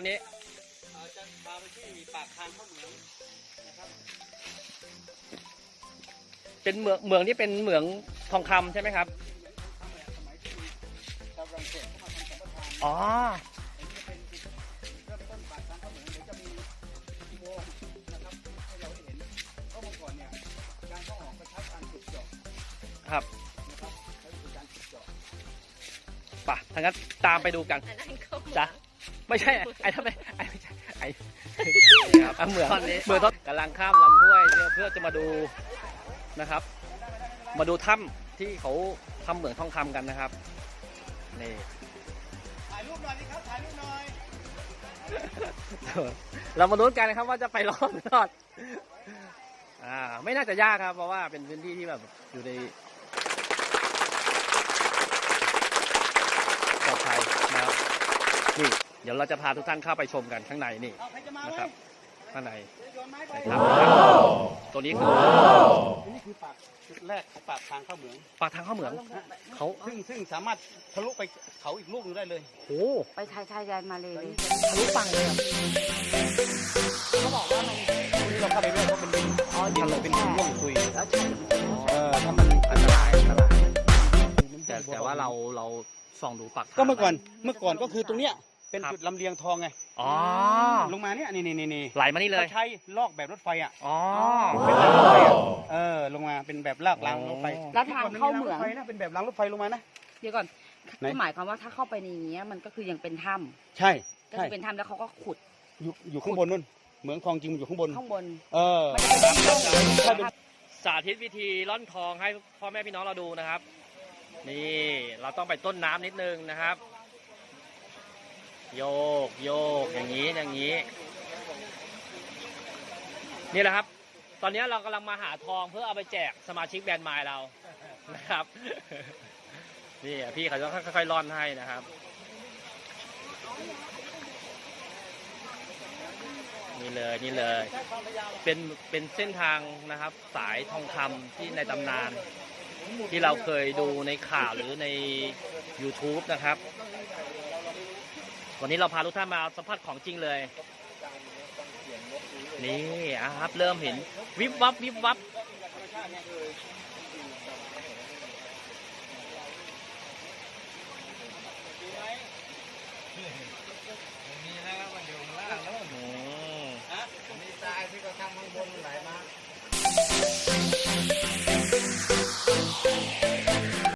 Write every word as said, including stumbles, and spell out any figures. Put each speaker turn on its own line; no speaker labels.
นี้
จะพาไปที่ปากทางเข้าเหมืองนะครับ
เป็นเหมืองเหมืองที่เป็นเหมืองทองคำใช่ไหมครับอ๋อครับป่ะทางนั้นตามไปดูกันจ้ะไม่ใช่ไอ้ทำไมไอ้ไม่ใช่ไอ้ครับเหมืองเหมืองกำลังข้ามลำห้วยเพื่อจะมาดูนะครับมาดูถ้ำที่เขาทำเหมืองทองคำกันนะครับนี่
ถ่ายรูปหน่อยนี่ครับถ่ายรูปหน่อย
เรามาลุ้นกันนะครับว่าจะไปรอดหรือรอดอ่าไม่น่าจะยากครับเพราะว่าเป็นพื้นที่ที่แบบอยู่ในปลอดภัยนะครับนี่เดี๋ยวเราจะพาทุกท่านเข้าไปชมกันข้างในนี่นะครับข้างในนะครับตัวนี้คือ
นี่คือปากจุดแรกของปากทางเข้าเหมือง
ปากทางเข้าเหมืองเขา
ซึ่งซึ่งสามารถทะลุไปเขาอีกลูกนึงได้เลย
โอ้
ไปชายชายแดนมาเลย
ทะลุฝั่งเลย
เขาบอกว่ามันที่เราเข้าไปเรื่อยเพราะเป็นดินอ๋อดินเป็นดินร่วงคุย
แล้วใช่
เออถ้ามันอันตรายอันตราย
แต่แต่ว่าเราเราส่องดูปาก
ก็เมื่อก่อนเมื่อก่อนก็คือตรงเนี้ยเป็นจุดลำเลียงทองไง
อ๋อ
ลงมาเนี่ยนี่นี่นี่
ไหลมานี่เลย
ใช้ลอกแบบรถไฟอ่ะ
อ๋อ
เป็นรถไฟอ่ะเออลงมาเป็นแบบลากรางรถไฟ
แล้วทางเข้าเหมือง
นะเป็นแบบรางรถไฟลงมานะ
เดี๋ยวก่อนก็หมายความว่าถ้าเข้าไปในนี้มันก็คือยังเป็นถ้
ำใช่
ก็คือเป็นถ้ำแล้วเขาก็ขุด
อยู่อยู่ข้างบนนู่นเหมืองทองจริงอยู่ข้างบน
ข้างบน
เออ
สาธิตวิธีร่อนทองให้พ่อแม่พี่น้องเราดูนะครับนี่เราต้องไปต้นน้ำนิดนึงนะครับโยกโยกอย่างนี้อย่างนี้นี่แหละครับตอนนี้เรากำลังมาหาทองเพื่อเอาไปแจกสมาชิกแบรนด์ไมล์เรานะครับนี่พี่เขาจะค่อยๆร่อนให้นะครับนี่เลยนี่เลยเป็นเป็นเส้นทางนะครับสายทองคำที่ในตำนานที่เราเคยดูในข่าวหรือใน ยูทูบ นะครับวันนี้เราพาทุกท่านมาสัมผัสของจริงเลยนี่ครับเริ่มเห็นวิบวับวิบวับ